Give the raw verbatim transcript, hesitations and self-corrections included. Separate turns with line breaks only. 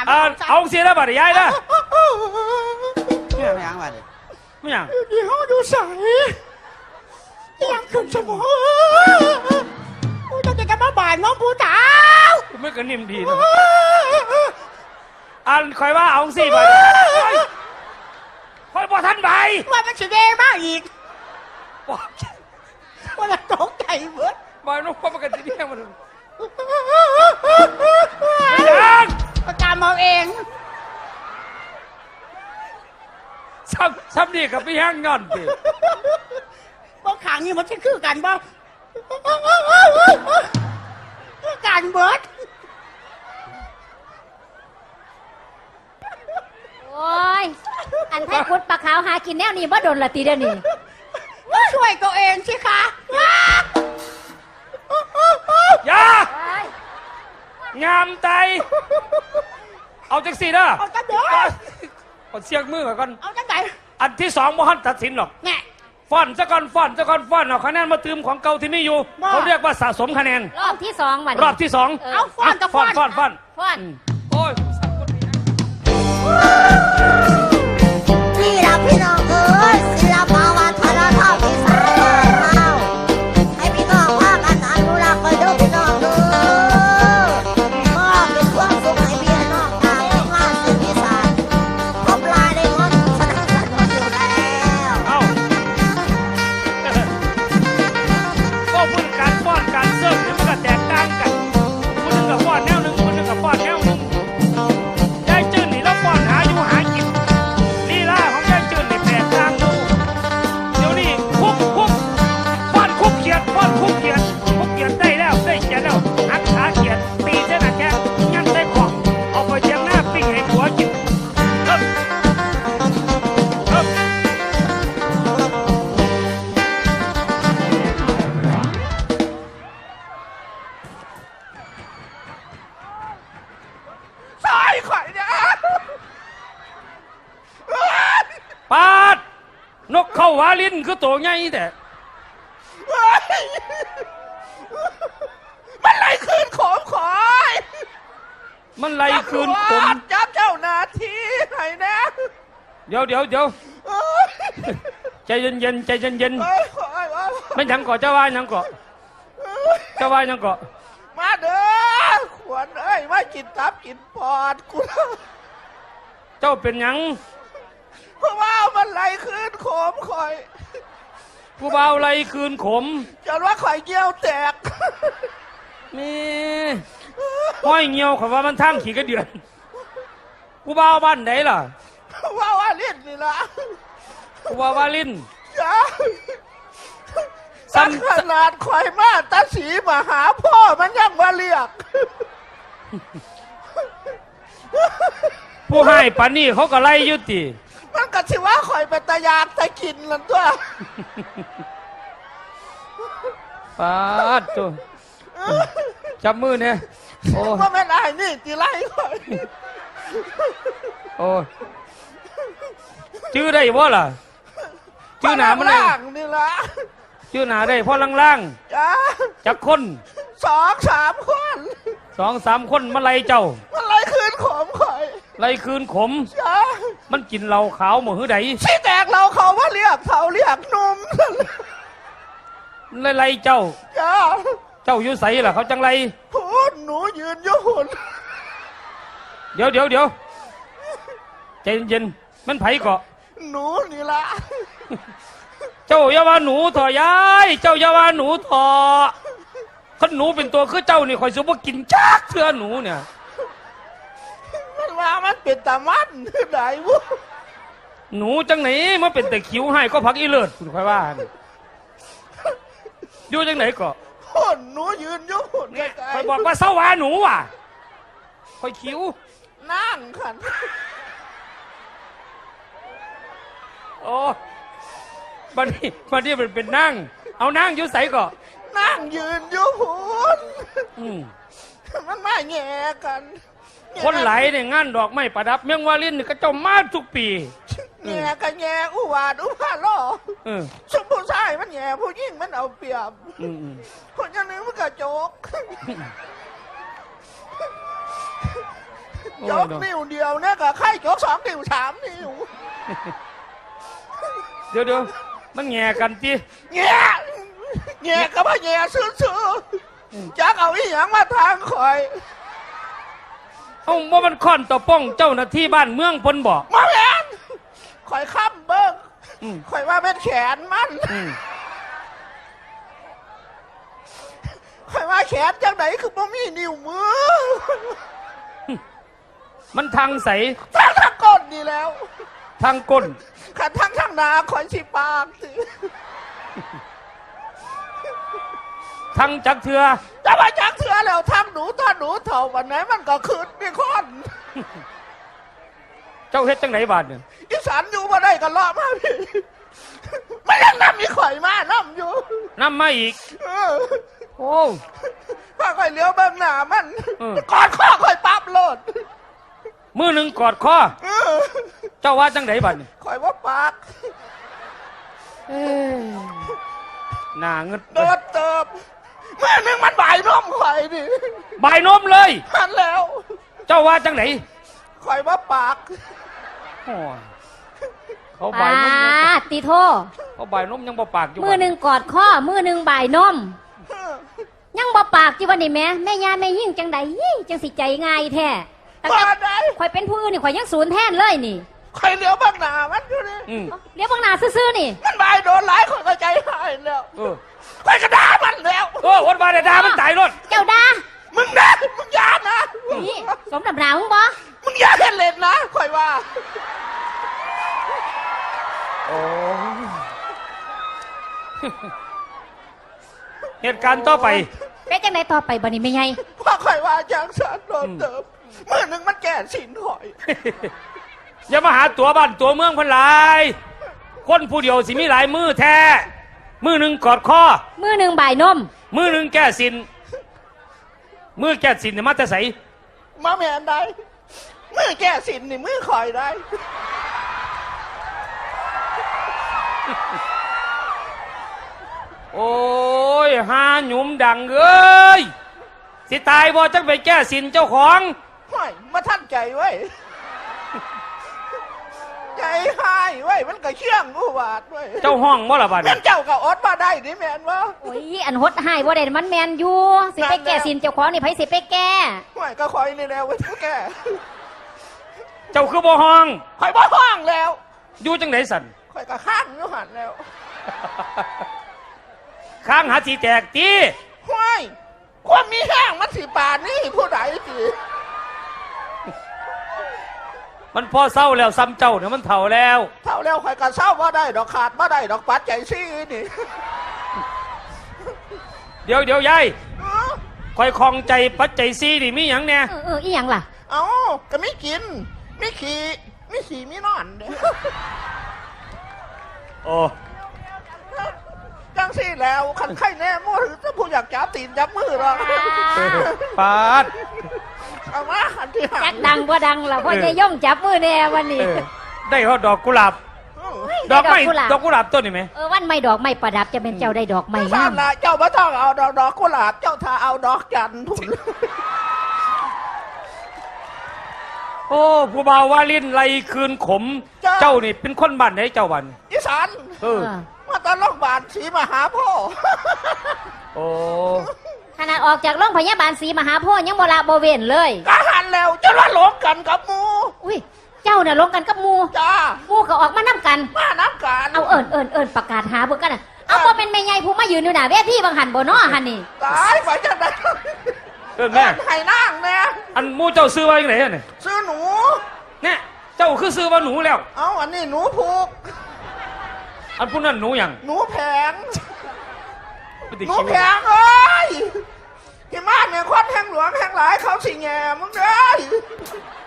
เอาเสียแล้วบัดยายนะ
ไม่ยังไม่ยังบัด
ไม่ยัง
ยี่ห้อดูใสยังขึ้นสมองกูจะจะมาบ่ายน้องผู้สาว
ไม่กระนิ่มดีนะอันคอยว่าเอาสิบัดคอยบอกท่านใบ
ว่ามันสิเดมากอีกว่าจะตกใจเบิด
บอยน้องพ่อประกันที่นี่มันไม่ยัง
ประจำเอาเอง
ซ้ำซ้ำนี่กับพี่แห้งงอนสิ
บ่ขางนี่มันจะคือกันบ่คือกันเบิด
โอ้ยอันไทยพุทธปลาขาวหากินแนวนี้บ่โดนละตีเดี๋ยวนี้
ช่วยตัวเองสิคะ
อย่างามใจเอาจังสี่นะ
เอาจังเด้อ
เอาเสียงมือก่อน
เอาจังไหน
อันที่สองบ่ฮั่นตัดสินหรอก
แง่
ฟอนซะก่อนฟอนซะก่อนฟอนเอาคะแนนมาตืมของเก่าที่ไม่อยู่เขาเรียกว่าสะสมคะแนน
รอบที่สองวัน
รอบที่สอง
เอาฟอนกับฟอน
ฟอนฟอน
ฟอน
โอ้ย
นี่ล่ะพี่น้องเอ้ยศิลปวัฒนธรรมอีสานบ้านเฮาให้พี่น้องว่ากันอนุรักษ์ไว้เด้อพี่น้องเด้อมอบเป็นความสุขให้พี่น้องชาวงานเสียงอีสานพบลายได้งดสนับสนุนอยู่แล้ว
เอ้าก็พูดการฟ้อนการเสิร์ฟเนี่ยมันก็แตกต่างกันคนหนึ่งกับฟ้อนแนวหนึ่งคนหนึ่งกับฟ้อนแนวหนึ่งยายจื้นนี่แล้วฟ้อนหาอยู่หากินลีลาของยายจื้นนี่แปลกต่างดูเดี๋ยวนี้คุบคุบฟ้อนคุบเขียดฟ้อนคุบเขียดคุบเขียดได้แล้วได้เขียดแล้วหักขาเขียดตีเส้นหนักแค่ยันได้ของเอาไปเชียงหน้าปิ้งให้หัวกินเฮ้ยเฮ้ย
ซอยข่อยเนี่ย
ปาดนกเข้าวาลินคือตัวใหญ่แต่
มันไล่คืนของขอย
มันไล่คืนผม
จับเจ้าหน้าที่ให้นะ
เดี๋ยวเดี๋ยวเดี๋ยวใจเย็นเย็นใจเย็นเย็นไม่ยังเกาะเจ้าว่ายังเกาะเจ้าว่ายังเกาะ
มาเด้อขวัญเอ้ยมากินตับกินปอดกู
เจ้าเป็นยัง
เพราะว่ามันไล่คืนขมข่อย
ผู้เบาไล่คืนขม
จนว่าข่อยเกี้ยวแตก
นี่ห้อยเงียวขอว่ามันทั้งขี่กระเดือนผู้เบาบ้านไหนล่ะ
ว่าว่าลิ้นนี่ล่ะ
ผู้เบาว่าลิ้น
จ้าสักขนาดข่อยมาตาสีมาหาพ่อมันยังมาเรียก
ผู้ให้ปานี่เขาก็ไล่ยุติ
มันก็ชิว่าข่อยเป็นตายากตากินนั่นตัว
ปาดตัวจับมือเนี่ยโอ้
ว่าไม่ได้นี่ตีไล่ข่อย
โอ้ชื่อได้บ่ล่ะชื่อหนามัน
ล่างนี่ละ
ชื่อหนาได้พ่อล่าง
ๆจ้า
จักคน
สองสามคน
สองสามคนมาไล่เจ้า
มันไล่คืนขมข่อย
ไล่คืนขม
จ้า
มันกินเหล้าขาวหมดหื้อใด
ชี้แตกเราเขาว่าเรียกเขาเรียกนุ่ม
ไล่ไล่เจ้า
จ้า
เจ้าอยู่ใส่ล่ะเขาจังไร
พูดหนูยืนอยู่หุ่น
เดี๋ยวเดี๋ยวเดี๋ยวใจเย็นๆมันไผเกาะ
หนูนี่ละ
เจ้าอย่าว่าหนูถอยายเจ้าอย่าว่าหนูถอขันหนูเป็นตัวคือเจ้านี่คอยสุบกินจักเสื้อหนูเนี่ย
มันว่ามันเป็นตามันไหนวุ้
หนูจังไหนมันเป็นแต่คิ้วให้ก็พักอีเลิศคุณค่อยว่าอยู่จังไหนก็
หุ่นหนูยืนอยู่หุ่นไกล
ๆคอยบอกว่าเศร้าว่าหนูอ่ะคอยคิ้ว
นั่งขัน
โอ้บัดนี้บัดนี้มันเป็นนั่งเอานั่งอยู่ใส่ก็
นั่งยืนอยู่หุ่นมันไม่แง่กัน
คนไหลเนี่ยงานดอกไม้ประดับเมืองวาลินก็เจ้ามาทุกปี
แง่กันแง่อุวาดอุพาล่อชมผู้ชายมันแง่ผู้หญิงมันเอาเปรียบคนอย่างนี้มันกระจก
โอ้
จ
ย
ก
เนาะ
นิ้วเดียวเนี่ยก็ไข่จกสองนิ้วสามนิ้ว
เดี๋ยวเดี๋ยวมันแง่กันจี
แง่แง่ก็บ่แง่ซื่อๆจักเอาอีหยังมาทางข่อย
เอ้าว่ามันค่อนต่อป้องเจ้าหน้าที่บ้านเมืองเพิ่นบอก
มาแม่นข่อยค้ำเบิ่ง
อืม
ข่อยว่าเป็นแขนมัน
อืม
ข่อยว่าแขนจังไหนคือบ่มีนิ้วมือ
มันทางใส
ทางทางก้นนี่แล้ว
ทางก้น
ขันทางทางหนาข่อยสิปากสิ
ทางจักเถือ
จะมาจักเถื่อแล้วทางหนูถ้าหนูเถ่าวันไหนมันก็คืนนี่คน
เจ้าเฮ็ดจังไหนบาดเนี่ย
อีสานอยู่มาได้ก็เลาะมาพี่ไม่ยังนำมีข่อยมานํอยู่
นำมาอีก
เออ
โอ้
พาข่อยเลี้ยวเบิ่งหน้ามัน
เออ
กอดข้อข่อยปั๊บโลด
มือหนึ่งกอดคอ
เออ
เจ้าว่าจังไหนบาดเนี่ย
ข่อยว่าปาก
เอ้ยหน้าเงิด
โดดเติบแม่นึงมันบ่ายน้มข่อยดิ
บายนมเลย
หันแล้ว
เจ้าว่าจังไหน
ข่อยว่าปาก
โอ้ยเขา
ป
บายนมยัง
าติโท
เขาบายนมยังบ่ปากอยู่
มือหนึ่งกอดข้อมือหนึ่งบ่ายนม
เออ
ยังบ่ปากจีวันนี้แม่แม่ยาแม่ยิ่งจังใดยี่จังสิใจง่ายแท้ตั้ง
ว่า
แต่
ได้
ข่อยเป็นผู้อื่นนี่ข่อยยังศูนย์แทนเลยนี่
ข่อยเลี้ยวเบิ่งหน้ามันอยู่ดิ
อืม
เดี๋ยวบางหนาซื่อๆนี่
มันบ่ายโดนหลายข่อยก็ใจหายแล้ว
เออ
ข่อยก็ด่ามันแล้ว
โอ้วันบาดดามันตายรถ
เจ้าดา
มึงนะมึงอย่านะ
นี่สมดำหนามึงบ่
มึงอย่าเล่นเล่นนะข่อยว่า
โอ้ยเหตุการณ์ต่อไป
เป็นจังไดต่อไปบัดนี้แม่ใหญ่
เพราะข่อยว่าจังสันโดนเติมมือหนึ่งมันแก่สินข่อย
อย่ามาหาตัวบ้านตัวเมืองเพันหลาย คนผู้เดียวสิมีหลายมือแท้ มือหนึ่งกอดคอ
มือหนึ่งบ่ายนม
มือหนึ่งแก้สิน มือแก้สินเนี่ยมาแต่ใส
มาแมนได้มือแก่สินนี่มือข่อยได้
โอ้ยหาหยุมดังเอ้ย สิตายบ่จังไปแก้สินเจ้าของ
ห่วยมาท่านใจไว้ ใจหายไว้มันก็เชื่องอุบาทไว้
เจ้าห้องบ่ละบาด
แม่
นี้
นเจ้าก็อดมาได้นี่แม่นวะ
โอ้ยอันหดหายบ่ได้มันแมนอยู่ สิไปแก้สินเจ้าของนี่ไผสิไปแก้
ห่วยก็คอยนี่แล้วไว้ทุกแก
เจ้าคือบ่ห้อง
ข่อยบ่ห้องแล้ว
อยู่จังไหนสัน
ข่อยก็ข้างอยู่หันแล้ว
ข้างหาสีแตกตี
ห่วยความมีแห้งมันสิป่านนี่ผู้ใดสิ
มันพอเศร้าแล้วซ้ำเจ้าเนี่ยมันเถ่าแล้ว
เท่าแล้วข่อยก็เศร้าบ่ได้ดอกขาดบ่ได้ดอกปัดใจซี่นี่
เดี๋ยวเดี๋ยวยาย
เอ้า
คอยคลองใจปัจจัยซีนี่มีหยังเนี่ย
เออเอออีหยังล่ะ
เอาก็ไม่กินไม่ขี่ไม่ขี่ไม่นอนเด้
โอ้
จังซี่แล้วคันไข้แน่มั่วถือถ้าผู้อยากจับตีนจับมือหรอก
ปาด
เอามาคันที่หา
จักดังบ่ดังล่ะพ่อจะย่องจับมือแน่วันนี้
เออได้เขาดอกกุหลาบ ดอกไม้ดอกกุหลาบต้นนี่ไหม
เออวันไม่ดอกไม่ประดับจะเป็นเจ้าได้ดอกไม้
ไม่ทราง
า
บ
ม
ละเจ้าบ่ต้องเอาดอกดอกกุหลาบเจ้าถ้าเอาดอกจันทร์ผุน
โอ้ผู้บ่าววาลินไรคืนขม เจ้านี่เป็นคนบ้านไหนเจ้าบ้าน
อีสาน
เออ
มาตอนโรงพยาบาลศรีมหาโพธิ์
โอ้
ขนาดออกจากโรงพยาบาลศรีมหาโพธิ์ยังบ่ละบ่เว้นเลย
กะหันแล้วจะว่าหลงกันกับหมู
อุ้ยเจ้าน่ะลงกันกับหมู
จ้า
หมูก็ออกมานํกัน
มาน้ำกัน
เอาเอิญเอิญเอิญประกาศหาเบิ่งกันน่ะเอาบ่เป็นแม่ใหญ่ผู้มายืนอยู่หน้าเวทีบางหันบ่เนาะหันนี่
ตายไปจังได
เออแม่
ให้นั่งเนี่ย
อันหมูเจ้าซื้อไว้ยังไงเนี่ย
ซื้อหนู
เนี่ยเจ้าคือซื้อว่าหนูแล้ว
เอาอันนี้หนูผูก
อันผู้นั้นหนูหยัง
หนูแผง
ไม่ได้
หนู
คิด
แผ
ว่า
งเอ้ยที่มาเนี่ยคนแห่งหลวงแห่งหลายเขาสิแง่มึงเด้ย